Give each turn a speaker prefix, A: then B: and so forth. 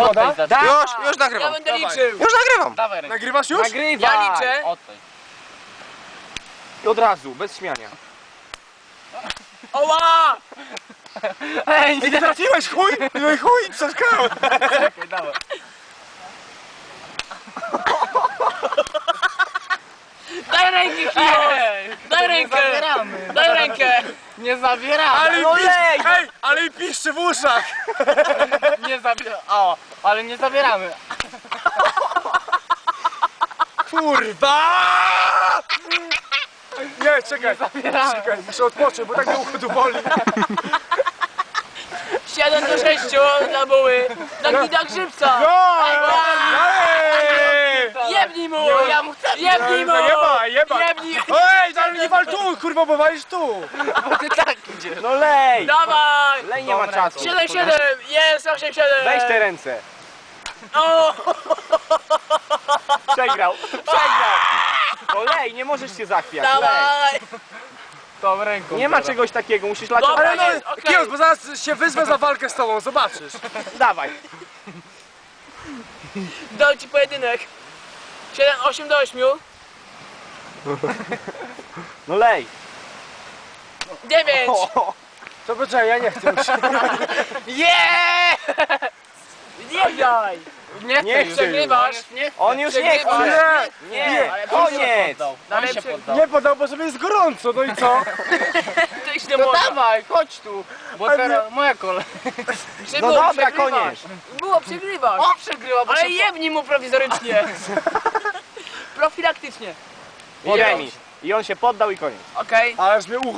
A: woda?
B: Już
C: Ja
B: nagrywam.
C: będę liczył.
B: Już nagrywam.
D: Dawaj rękę.
A: Nagrywasz już?
D: Nagrywaj!
C: Ja liczę.
D: Oddaj.
A: I od razu, bez śmiania.
C: Oła!
D: Ej,
A: Ej, nie trafiłeś, chuj! No i chuj, przeszkałem.
D: czekaj, dawaj.
C: Daj rękę, Kijo!
D: Ej,
C: Daj rękę!
D: zabieramy.
C: Daj rękę!
D: Nie zabieramy.
A: Ale
D: No
A: i piszczy, hej, ale i piszczy w uszach.
D: nie zabieramy. O, ale nie zabieramy.
A: Kurwa! Nie, czekaj,
D: zabieramy.
A: czekaj, muszę odpocząć, bo tak mnie ucho tu boli.
C: 7 do 6 dla buły. Na gida grzybca.
A: No!
C: Jebnij mu!
D: Ja mu chcę.
C: Jebnij mu!
A: Jeba!
C: Jebnij!
A: Ej, ale nie wal tu, kurwa, bo walisz tu!
D: Bo ty tak idziesz.
A: No lej!
C: Dawaj!
A: Lej, nie ma czasu.
C: 7-7! Jest 8-7!
A: Weź te ręce.
C: O!
A: Przegrał. No lej, nie możesz się zachwiać.
C: Dawaj!
D: Tą ręką.
A: Nie ma czegoś takiego, musisz lać.
C: Dobra,
A: Ale no,
C: jest, okej.
A: Kijos, bo zaraz się wyzwę za walkę z tobą, zobaczysz. Dawaj.
C: Dał ci pojedynek. 8 do 8.
A: No lej.
C: 9!
A: To poczekaj, ja nie chcę.
C: Yeah! Nie daj!
D: Nie,
A: Nie
D: chcę.
C: Przegrywasz.
A: On już nie
C: Przegrywasz.
A: chce.
C: Nie.
A: Nie,
D: Ale
A: koniec.
D: On się poddał.
A: Nie podał, bo sobie jest gorąco, no i co?
C: To iść do
D: No
C: morza.
D: dawaj, chodź tu. Bo teraz moja kolej.
C: Żeby
A: No
C: było
A: dobra,
C: przegrywasz.
A: koniec.
C: Było przegrywasz.
D: On przegrywa, bo
C: Ale
D: się
C: jebnij mu prowizorycznie. Profilaktycznie.
A: I remis. I on się poddał i koniec.
C: Okej.
A: Ależ mnie